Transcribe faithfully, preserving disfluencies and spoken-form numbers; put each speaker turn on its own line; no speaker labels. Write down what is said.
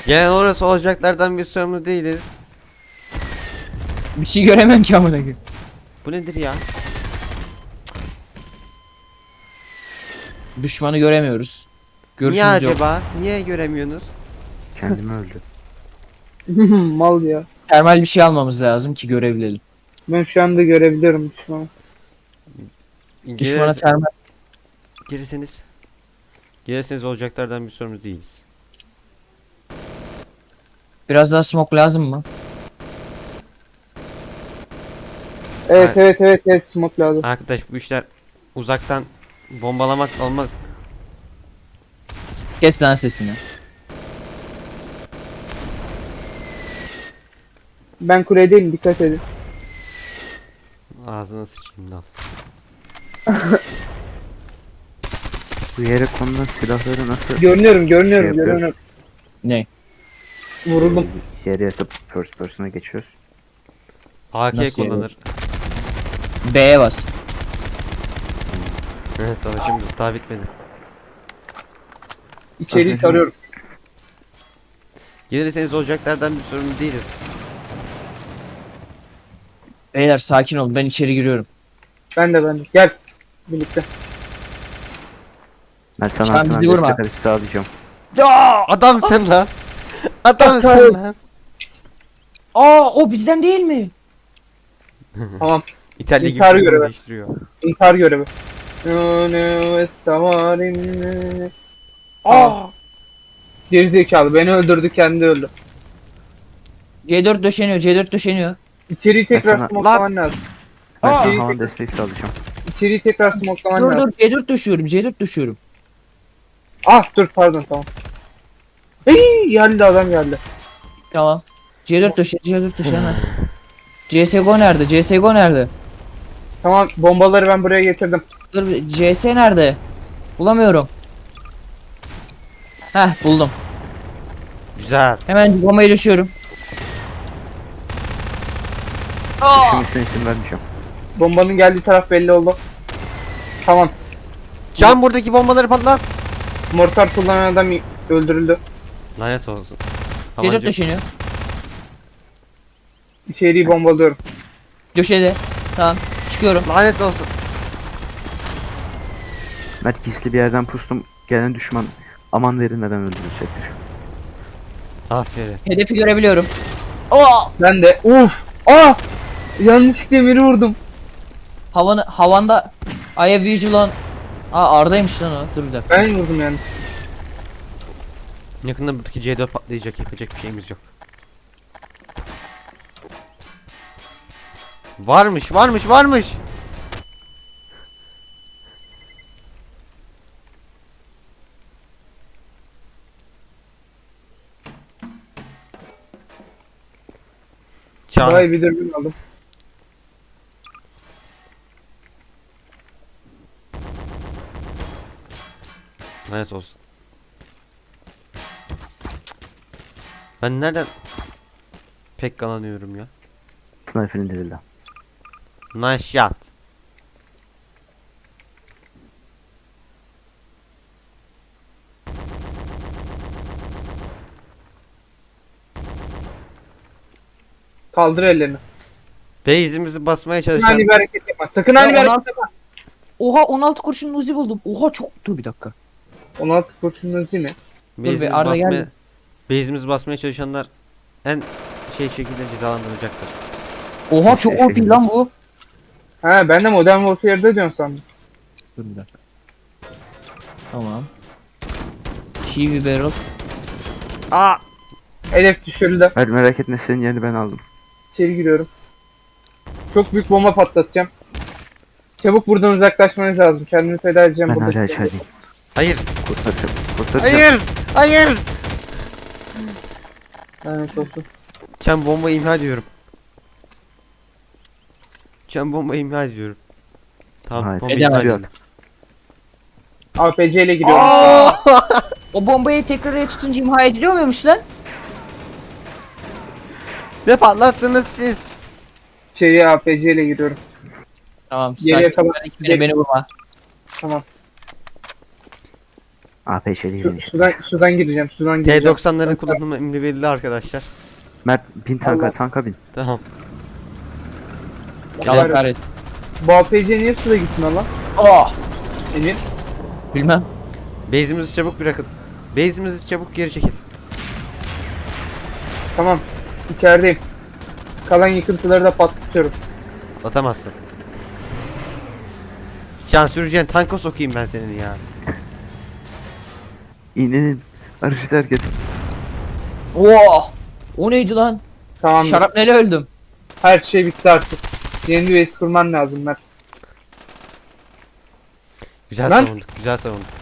Yani orası olacaklardan bir sorumlu değiliz.
Bir şey göremem ki amına koyayım.
Bu nedir ya?
Düşmanı göremiyoruz.
Niye
Görüşümüz yok.
acaba? Niye göremiyorsunuz?
Kendimi öldü.
Mal ya.
Termal bir şey almamız lazım ki görebilelim.
Ben şu anda görebiliyorum düşmanı.
Düşmana
Girer-
termal.
Gelirseniz. Gelirseniz olacaklardan bir sorumlu değiliz.
Biraz daha smoke lazım mı?
Evet
Hayır.
evet evet evet smoke lazım.
Arkadaş bu işler uzaktan bombalamak olmaz.
Kes lan sesini.
Ben kuledeyim, dikkat edin.
Ağzına sıçayım lan.
Bu yere konulan silahları nasıl
Görünüyorum görünüyorum
Şey yapıyoruz.
görünüyorum.
Ne?
Vuruldum.
e, yere yatıp first person'a geçiyoruz?
A K
Nasıl yani?
kullanır.
B'ye bas.
Savaşımız daha bitmedi.
İçeriği
Aferin.
tarıyorum.
Gelirseniz olacaklardan bir sorumlu değiliz.
Beyler sakin olun, ben içeri giriyorum.
Ben de ben de. Gel. Birlikte.
Ben sana
Sen
arkadan
bizi vurma.
destek atışı sağlayacağım.
Adamsın lan. Adamsın lan.
Aa, o bizden değil mi?
Tamam.
İtalya gibi
İntihar
filmi
görevi.
değiştiriyor.
İntihar görevi. No, no, it's summer.
Aa.
Gerizekalı beni öldürdü, kendi öldü.
C dört döşeniyor, C dört döşeniyor.
İçeriği tekrar
sana-
smokelaman lazım.
Ben
Aa!
sana havan desteği sağlayacağım.
İçeriği tekrar smokelaman
Dur
lazım.
dur, C dört döşüyorum, C dört döşüyorum.
Ah dur pardon tamam. Hey geldi adam geldi.
Tamam. C dört döşe, C dört döşe hemen. C S G O nerede? C S G O nerede?
Tamam bombaları ben buraya getirdim.
Dur, bir- C S nerede? Bulamıyorum. Heh, buldum.
Güzel.
Hemen bombayı düşüyorum.
Şimdi isim vermeyeceğim.
Bombanın geldiği taraf belli oldu. Tamam.
Can buradaki bombaları patlat.
Mortar kullanan adam öldürüldü.
Lanet olsun.
C dört
Tabanca.
döşeniyor.
İçeriği bombalıyorum.
Döşede. Tamam. Çıkıyorum.
Lanet olsun.
Mert gizli bir yerden pustum. Gelen düşman aman verilmeden öldürülecektir.
Aferin.
Hedefi görebiliyorum. Aa!
Ben de uf. Ah! Yanlışlıkla biri vurdum.
Havanı, havanda I have visual on. Aa, Arda'ymış lan o. Dur bir dakika.
Ben vurdum yani.
Yakında buradaki C dört patlayacak. Yapacak bir şeyimiz yok. Varmış, varmış, varmış. Can.
Vay bir dürbün aldım.
Lanet olsun. Ben nereden pek kalanıyorum ya?
Sniper indirildi.
Nice shot.
Kaldır ellerini.
Base'imizi basmaya
Sakın
çalışan
ani bir hareket yapma. Sakın ani bir
Ya,
hareket
on
yapma.
Oha, on altı kurşun Uzi buldum. Oha, çok. Dur bir dakika.
on altı kurşunun uzi mi?
base'imizi
Arda
basmaya
geldi.
base'imizi basmaya çalışanlar en şey şekilde cezalandırılacaktır.
Oha, çok O P lan bu.
Ha ben de Modern Warfare'da diyorsun sandım.
Dur bir dakika. Tamam. Heavy barrel.
Aa!
Hedef düşürüldü.
Mert merak etme, senin yerini ben aldım.
İçeri giriyorum. Çok büyük bomba patlatacağım. Çabuk buradan uzaklaşmanız lazım. Kendimi feda edeceğim
Ben
burada.
hala içerideyim.
Hayır.
Kurtaracağım. Kurtaracağım.
Hayır. Hayır.
Evet olsun.
Çem bombayı imha ediyorum. Çem bombayı imha ediyorum. Tamam,
Hayır.
bombayı
Edemez.
imha ediyorum.
A P C ile gidiyorum.
O bombayı tekrar tutunca imha ediliyor muymuş lan?
Ne patlattınız siz?
İçeriye A P C ile giriyorum.
Tamam.
Geriye
Sakin.
kalan-
Beni, beni vurma.
Tamam.
A P şeyli
Su,
gireyim işte.
sudan, sudan gireceğim. Sudan gireceğim.
T doksanların kullanımı emri belli arkadaşlar.
Mert bin tanka
Allah.
tanka bin.
Tamam.
Allah kahretsin.
Bu A P C niye suda gitmiyor lan?
Oh!
Emir.
Bilmem.
Base'imizi çabuk bırakın. Base'imizi çabuk geri çekil.
Tamam. İçerideyim. Kalan yıkıntıları da patlatıyorum.
Atamazsın. Can süreceğin tanka sokayım ben senin ya.
İn in in. Arışı terk et.
Oh! O neydi lan?
Tamam.
Şarapneli öldüm.
Her şey bitti artık. Yeni bir base kurman lazım Mert.
Güzel
Lan.
savunduk, güzel savunduk.